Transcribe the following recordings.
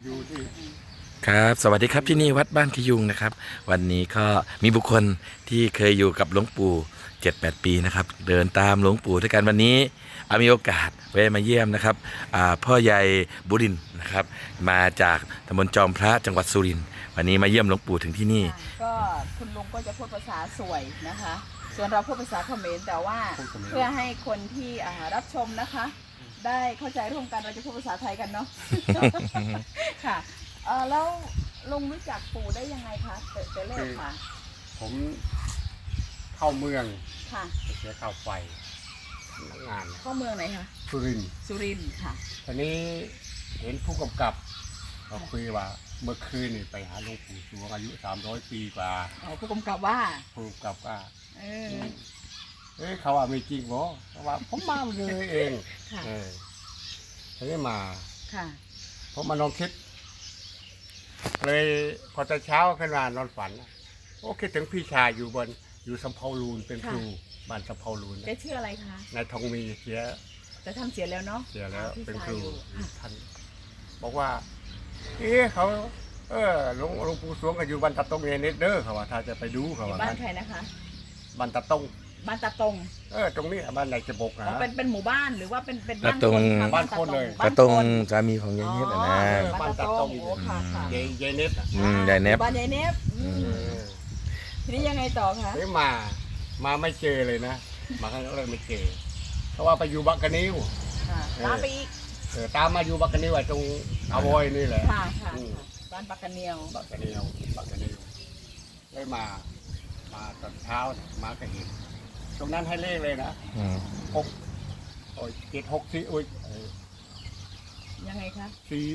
อยู่ที่ครับสวัสดีครับที่นี่วัดบ้านขยุงนะครับวันนี้ก็มีบุคคลที่เคยอยู่กับหลวงปู่7-8 ปีนะครับเดินตามหลวงปู่ด้วยกันวันนี้มีโอกาสแวะมาเยี่ยมนะครับพ่อใหญ่บุรินทร์นะครับมาจากตำบลจอมพระจังหวัดสุรินทร์วันนี้มาเยี่ยมหลวงปู่ถึงที่นี่ก็คุณลุงก็จะพูดภาษาสวยนะคะ ส่วนเราพูดภาษาเขมรแต่ว่าเพื่อให้คนที่รับชมนะคะ ได้เข้าใจร่วมกันเราจะพูดภาษาไทยกันเนาะ ค่ะแล้วลุงรู้จักปู่ได้ยังไงคะแต่แรกค่ะผมเข้าเมืองค่ะไปเสียข้าวไฟงานเข้าเมืองไหนคะสุรินทร์สุรินทร์ค่ะทีนี้เห็นผู้กำกับเราคุยว่าเมื่อคืนนี่ไปหาหลวงปู่สวงอายุ300 ปีกว่าผู้กำกับว่าผู้กำกับว่าเออเขาว่าไม่จริงเหรอเขาว่าผมมาเลยเองค่ะทีนี้มาค่ะผมมานอนคิดเลยพอตอนเช้าขึ้นมานอนฝันโอ้คิดถึงพี่ชายอยู่สำเภาลูนเป็นครูบ้านสำเภาลูนแกชื่ออะไรคะนายทองมีเสียแต่ท่านเสียแล้วเนาะเสียแล้วเป็นครูค่ะท่านบอกว่าเขาหลวงปู่สวงก็อยู่บ้านตะตงเนเดอร์เขาว่าถ้าจะไปดูเขาว่าบ้านใครนะคะบ้านตะตงบ้านตาตงตรงนี้บ้านไหนจะบกนะเป็นหมู่บ้านหรือว่าเป็นตาตงบ้านคนเลยตาตรงสามีของยายเนบนะบ้านตาตงโอ้ค่ะค่ะยายเน็ตยายเนบบ้านยายเนบทีนี้ยังไงต่อคะมาไม่เจอเลยนะมาครั้งแรกไม่เจอเพราะว่าไปอยู่บักกะนิ้วตามไปอีกตามมาอยู่บักกะนิ้วตรงอาวอยนี่แหละค่ะบ้านปักกะเนียวบักกะนิ้วได้มาตอนเช้ามาก็เห็นตรงนั้นให้เลขเลยนะ764 ยังไงคะ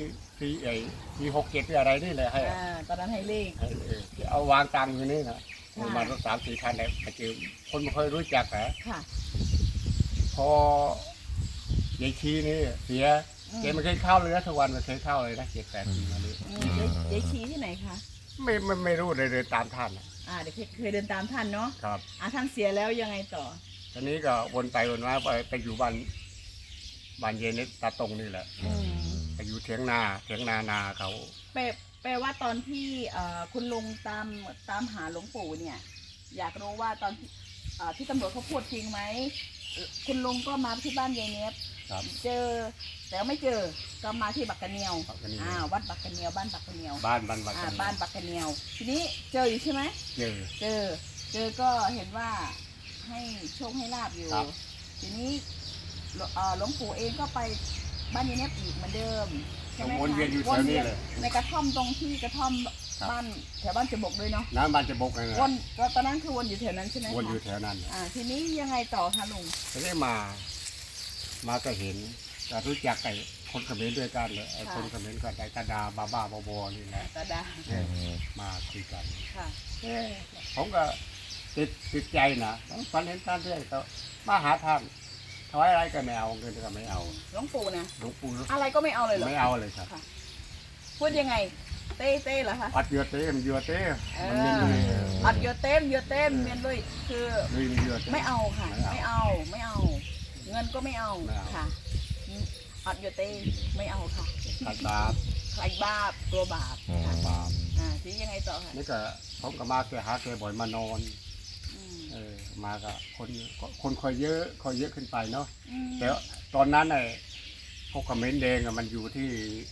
467อะไรนี่เลยให้ตอนนั้นให้เลขเอาวางตังอยู่นี่นะมารถ3-4 คันเลยไปเจอคนไม่เคยรู้จักค่ะพอยายชีนี่เสียแกไม่เคยเข้าเลยนะทุกวันไม่เคยเข้าเลยนะ7-8 ปีมานี้ยายชีที่ไหนคะไม่รู้เลยเดินตามท่านเดี๋ยวเคยเดินตามท่านเนาะครับท่านเสียแล้วยังไงต่อตอนนี้ก็วนไปวนมาไปอยู่บ้านเย็นนี่ตาตรงนี่แหละไปอยู่เถียงนาเขาแปลว่าตอนที่คุณลุงตามหาหลวงปู่เนี่ยอยากรู้ว่าตอนที่ตำรวจเขาพูดจริงไหมคุณลุงก็มาที่บ้านยายเนบเจอแต่ไม่เจอก็มาที่บักกะเนียววัดบักกะเนียวบ้านบักกะเนียวบ้านบักกะเนียวทีนี้เจออยู่ใช่ไหมเจอก็เห็นว่าให้โชคให้ลาบอยู่ทีนี้หลวงปู่เองก็ไปบ้านยายเนบอีกเหมือนเดิมใช่ไหมคะวนเวียนอยู่แถวนี้เลยในกระท่อมตรงที่กระท่อมบ้านแถวบ้านจะบกเลยเนาะน้ำบ้านจะบกเลยวนก็ตอนนั้นคือวนอยู่แถวนั้นใช่ไหมวนอยู่แถวนั้นทีนี้ยังไงต่อคะลุงทีนี้มาก็เห็นรู้จักไอ้คนเขมรด้วยกันเลยไอ้คนเขมรก็ไอ้ตาดาบ้าบอนี่แหละตาดามาคุยกันค่ะผมก็ติดใจนะฝันเห็นท่านเรื่อยก็มาหาท่านถวายอะไรก็ไม่เอาเงินก็ไม่เอาหลวงปู่นะหลวงปู่อะไรก็ไม่เอาเลยเหรอไม่เอาเลยครับพูดยังไงเต้เหรอคะอัดเยอะเต้มันอัดเยอะเต้เมียนเลยคือไม่เอาค่ะไม่เอาเงินก็ไม่เอาค่ะอัดเยอะเต้ไม่เอาค่ะใครบาปตัวบาปทียังไงต่อคะนี่ก็ผมก็มาแกหาแกบ่อยมานอนมาก็คนคอยเยอะขึ้นไปเนาะแต่ตอนนั้นไอ้พวกคอมเมนต์แดงมันอยู่ที่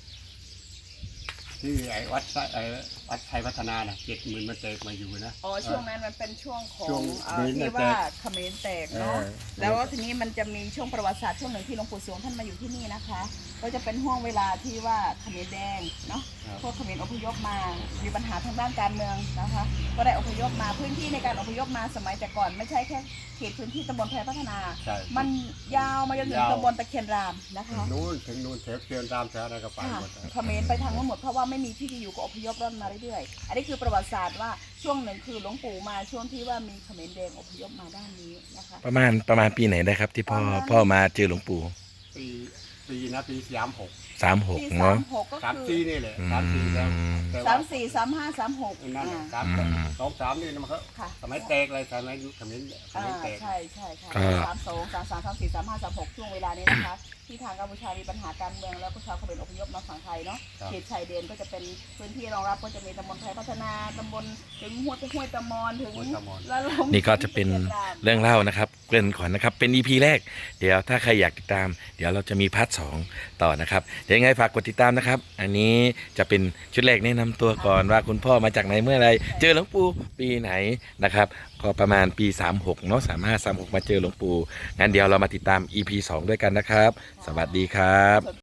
ไอ้วัดไทยพัฒนาน่ะ70,000มันแตกมาอยู่นะช่วงนั้นมันเป็นช่วงของที่ว่าเขมรแตกเนาะแล้วทีนี้มันจะมีช่วงประวัติศาสตร์ช่วงหนึ่งที่หลวงปู่สวงท่านมาอยู่ที่นี่นะคะก็จะเป็นห่วงเวลาที่ว่าเขมรแดงเนาะพวกเขมรอพยพมามีปัญหาทางด้านการเมืองนะคะก็ได้อพยพมาพื้นที่ในการอพยพมาสมัยแต่ก่อนไม่ใช่แค่เขตพื้นที่ตำบลไทยพัฒนามันยาวมาจนถึงตำบลตะเคียนรามนะคะถึงนู่นแถวเคียนรามแถวอะไรก็ไปหมดเขมรไปทางนู้นหมดเพราะว่าไม่มีที่อยู่ก็อพยพร่อนมาเรื่อยๆอันนี้คือประวัติศาสตร์ว่าช่วงหนึ่งคือหลวงปู่มาช่วงที่ว่ามีเขมรแดงอพยพมาด้านนี้นะคะประมาณปีไหนได้ครับที่พ่อมาเจอหลวงปู่ปีนะปี 36เนาะ 34นี่แหละ34แล้ว 34 35 36 นั่น23นี่มันเขาสมัยแตกเลยสมัยยุคเขมรแตกใช่ค่ะ32 33 34 35 36ช่วงเวลานี้นะคะที่ทางกัมพูชามีปัญหาการเมืองแล้วก็ชาวเขมรอพยพมาฝั่งไทยเนาะเขตชายแดนก็จะเป็นพื้นที่รองรับก็จะมีตำบลไทยพัฒนาตำบลถึงห้วยตะมอนถึงละลมนี่ก็จะเป็นเรื่องเล่านะครับเกริ่นก่อนนะครับเป็น EP แรกเดี๋ยวถ้าใครอยากติดตามเดี๋ยวเราจะมีพาร์ท 2ต่อนะครับเดี๋ยวยังไงฝากกดติดตามนะครับอันนี้จะเป็นชุดแรกแนะนำตัวก่อนว่าคุณพ่อมาจากไหนเมื่อไรเจอหลวงปู่ปีไหนนะครับก็ประมาณปี36เนาะ35 36มาเจอหลวงปู่งั้นเดี๋ยวเรามาติดตาม EP 2ด้วยกันนะครับสวัสดีครับ